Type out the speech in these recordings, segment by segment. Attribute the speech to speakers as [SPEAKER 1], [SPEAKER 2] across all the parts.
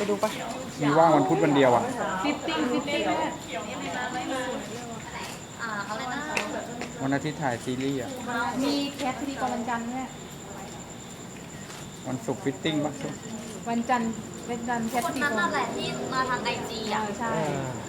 [SPEAKER 1] ดูปะ
[SPEAKER 2] มีว่างวันพุธวันเดียวอ่ะ
[SPEAKER 1] ฟิตติ้งแม่
[SPEAKER 3] เขาเลยนะ
[SPEAKER 2] วันอาทิตย์ถ่ายซีรีส์อ่ะ
[SPEAKER 1] มีแคสพิธีกรวันจันทร์แม่
[SPEAKER 2] วันศุกร์ฟิตติ้งป่ะ
[SPEAKER 1] วันจันทร์เป็นจันทร์แคส
[SPEAKER 3] คน
[SPEAKER 1] พิธี
[SPEAKER 3] นั้น
[SPEAKER 1] กร
[SPEAKER 3] นั่นแหละที่มาทางไอจีอ่ะ
[SPEAKER 1] ใช่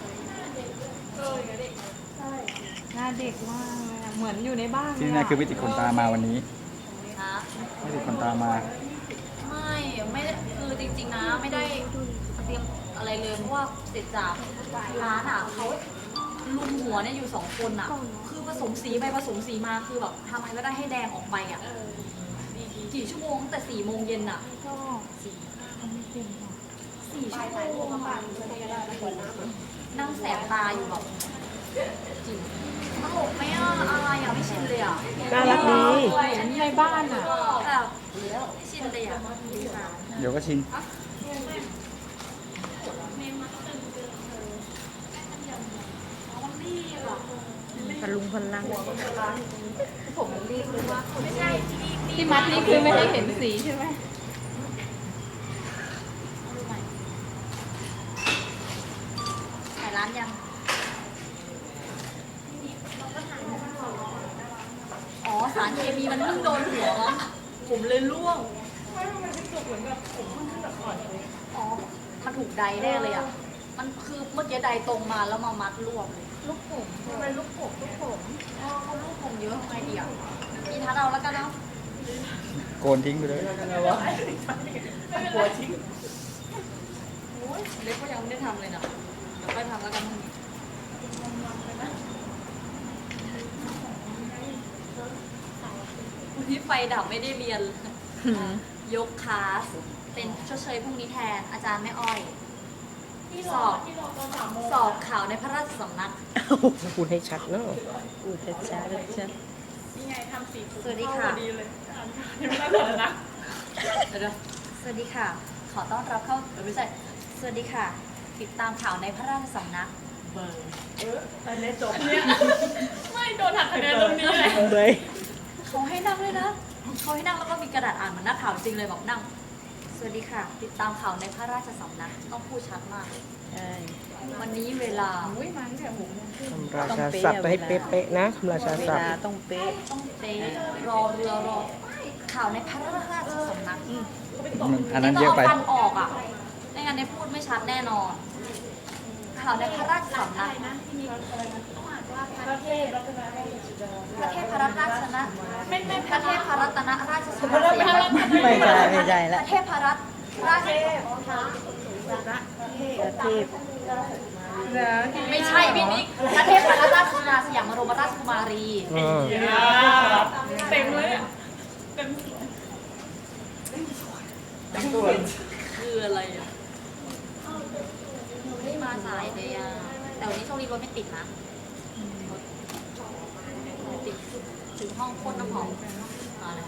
[SPEAKER 1] หน้าเด็กมากเลยอะเหมือนอยู่ในบ้าน
[SPEAKER 2] ที่นี่คือไม่ติดขนตามาวันนี้
[SPEAKER 3] นะ
[SPEAKER 2] ไม่ติดขนตามา
[SPEAKER 3] ไม่ได้คือจริงๆนะไม่ได้เตรียมอะไรเลยเพราะว่าเสร็จจากร้านอ่ะเขาลุมหัวเนี่ยอยู่2 คนอ่ะ คือผสมสีไปผสมสีมาคือแบบทำไงก็ได้ให้แดงออกไปอ่ะกี่ชั่วโมงตั้งแต่4 โมงเย็นอ่ะ
[SPEAKER 1] ก็ทำไม่เป็นหรอก
[SPEAKER 3] 4 ชั่วโมงอะนั่งแสบตาอยู่แบบจริงตลกไหมอ่ะอะไรอ่ะไม่ชินเลยอ่ะ
[SPEAKER 1] น่ารักดีในบ้านอ่ะ
[SPEAKER 3] แบบไม่ชินเลยอ่ะ
[SPEAKER 2] เดี๋ยวก็ชิน
[SPEAKER 1] พลุงพลังผมรีบเลยว่าที่มัดนี่คือไม่ให้เห็นสีใช่ไหม
[SPEAKER 3] ถ่ายร้านยัง อ๋อสารเคมีมันเพิ่งโดนหัวมั้งผมเลยร่วงอ๋อมันถูกใดแน่เลยอ่ะ มันคือเมื่อกี้ใดตรงมาแล้วมามัดรวบเลยลูกผมเป็นลูกผมอ๋อเขาลูกผมเยอะทำไงดีอ่ะมีทัดเอาแล้วกันเนาะ
[SPEAKER 2] โกนทิ้งไปเลย
[SPEAKER 3] กลัวทิ้งโอ้ยเล็กก็ยังไม่ได้ทำเลยนะเดี๋ยวค่อยทำแล้วกันวันนี้ไฟดับไม่ได้เรียน ยกคลาส เป็นชดเชยพรุ่งนี้แทนอาจารย์แม่อ้อย สอบข่าวในพระราชสำนัก
[SPEAKER 1] พูดให้ชัดเนาะพูดให้ชัดชัด
[SPEAKER 3] สวัสดีค่ะเดี๋ยวสวัสดีค่ะ ขอต้อนรับเข้าไม่ใช่สวัสดีค่ะ ติดตามข่าวในพระราชสำนัก เบอร์ไม่โดนหักคะแนนตรงนี้เลย เขาให้นั่งเลยนะ เขาให้นั่งแล้วก็มีกระดาษอ่านเหมือนนักข่าวจริงเลยแบบนั่ง สวัสดีค่ะ ติดตามข่าวในพระราชสำนัก ต้องพูดชัดมาก
[SPEAKER 1] ใช่
[SPEAKER 3] วันนี้เวลา
[SPEAKER 1] ราชาศัพท์ให้เป๊ะๆนะคำราชาศัพท์
[SPEAKER 3] ต้องเป๊ะรอเรือรอข่าวในพระราชสำนัก
[SPEAKER 2] อันนั้นเยอะไป
[SPEAKER 3] ต้องเอาฟันออกอ่ะไม่งั้นได้พูดไม่ชัดแน่นอน ข่าวในพระราชสำนักประเทศพระราชนะไม่ประเทศพระรัตนราชสุดาสยาม
[SPEAKER 1] ไม่ใช่ละ
[SPEAKER 3] ประเทศพระรัตราช
[SPEAKER 1] ประเทศ
[SPEAKER 3] ไม่ใช่พี่นิกประเทศพระรัตนราชสุดาสยามบรมราชกุมารี
[SPEAKER 4] เต็มเลย
[SPEAKER 3] คืออะไรอ่ะไม่มาสายเลยอ่ะแต่วันนี้โชคดีรถไม่ติดนะติดถึงห้องพ่นน้ำหอมมาเลย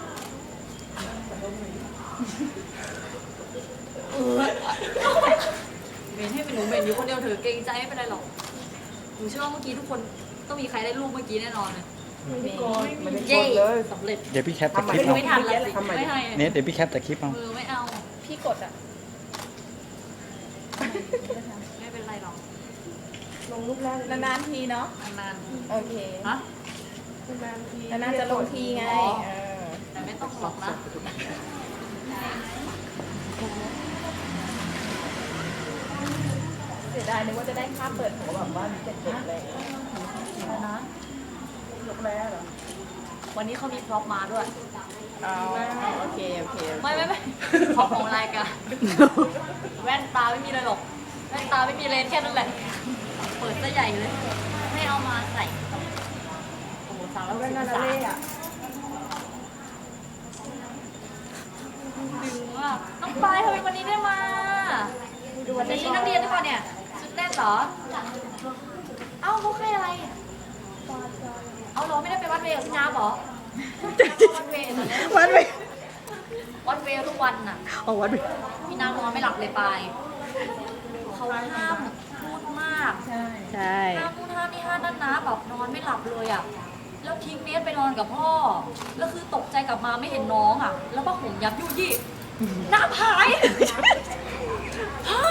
[SPEAKER 3] เมนให้เป็นหนูเมนอยู่คนเดียวเถอะเกรงใจไม่เป็นไรหรอกหนูเชื่อว่าเมื่อกี้ทุกคนต้องมีใครได้รูปเมื่อกี้แน่นอนเลยเย้สำเร็จ
[SPEAKER 2] เดี๋ยวพี่แคปแต่คลิปเอา
[SPEAKER 3] ไม่ทันแล้วสิไม่ให้
[SPEAKER 2] เนี่ยเดี๋ยวพี่แคปแต่คลิปเอา
[SPEAKER 3] ไม่เอา
[SPEAKER 4] พี่กดอ่ะ
[SPEAKER 3] ไม่เป็นไรหรอก
[SPEAKER 4] ลงรูปแรกนานๆทีเนาะ
[SPEAKER 3] นาน
[SPEAKER 4] โอเค
[SPEAKER 3] ๆฮะ
[SPEAKER 4] นานๆจะลงทีไง
[SPEAKER 3] แต่ไม่ต้องหรอกนะ
[SPEAKER 4] เสียดายนึกว่าจะได้ภาพเปิดหัวแบบว่าเด็กๆเลย
[SPEAKER 3] นะ
[SPEAKER 4] ยกแล้วเหรอ
[SPEAKER 3] วันนี้เขามีพร็อพมาด้วย
[SPEAKER 4] อ๋อโอเค
[SPEAKER 3] ไม่พร็อพของรายการแว่นตาไม่มีเลยหรอกแว่นตาไม่มีเลนส์แค่นั้นแหละเปิดซะใหญ่เลยให้เอามาใส่โอ้โหสั่งแล้วเป็นอะไรอ่ะดึงอ่ะน้องปลายทำไมวันนี้ได้มาวันนี้นักเรียนด้วยเนี่ยชุดแรกเหรอเอ้าเขาให้อะไรเอาเหรอไม่ได้ไปวัดเวย์กับพี่น้าเหรอวัดเวย์เหรอเนี่ย
[SPEAKER 1] วัดไป
[SPEAKER 3] วัดเวย์ทุกวันน่ะ
[SPEAKER 1] เอาวัดไป
[SPEAKER 3] พี่น้านอนไม่หลับเลยปายเขาห้ามพูดมาก
[SPEAKER 1] ใช่
[SPEAKER 3] ห้ามพูดห้ามนี่ห้ามนั่นนะแบบนอนไม่หลับเลยอ่ะแล้วทิ้งเนสไปนอนกับพ่อแล้วคือตกใจกลับมาไม่เห็นน้องอ่ะแล้วก็ห่มยับยุยี่หน้าผายพ่อ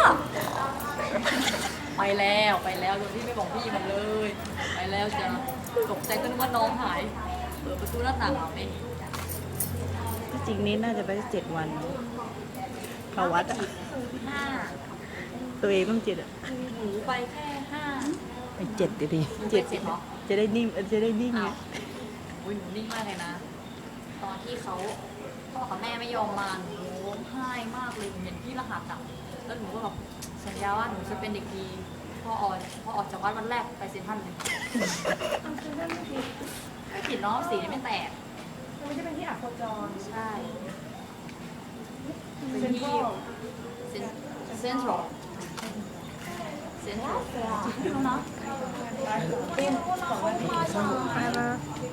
[SPEAKER 3] ไปแล้วโดยที่ไม่บอกพี่มันเลย ไปแล้วจะตกใจก็นึกว่าน้องหายเปิดประตูหน้าต่างเอาไม่เห็น
[SPEAKER 4] ที่จริงนี้น่าจะไป7 วันเขาวัดอะ
[SPEAKER 3] ห้า
[SPEAKER 4] ตัวเองต้อง7อะ
[SPEAKER 3] หนูไปแค่ห้า
[SPEAKER 4] ไอ้7ดิ
[SPEAKER 3] หนูไป7เหรอ
[SPEAKER 4] จะได้นิ่มจะได้นิ่งไง
[SPEAKER 3] อ้าวอุ้ยหนูนิ่งมากเลยนะ ตอนที่เขาพ่อกับแม่ไม่ยอมมาหนูร้องไห้มากเลยหนูเห็นพี่รหัสอ่ะแล้วหนูก็แบบสัญญาว่าหนูจะเป็นเด็กดีพ่อออกจากวัดวันแรกไปเซ็นทรัลเลยไม่ผิดเนาะสีไม่แตก
[SPEAKER 4] มันจะเป็นที่อักขจร
[SPEAKER 3] ใช่เป็นที่เซ็นทรัลแล้วนะ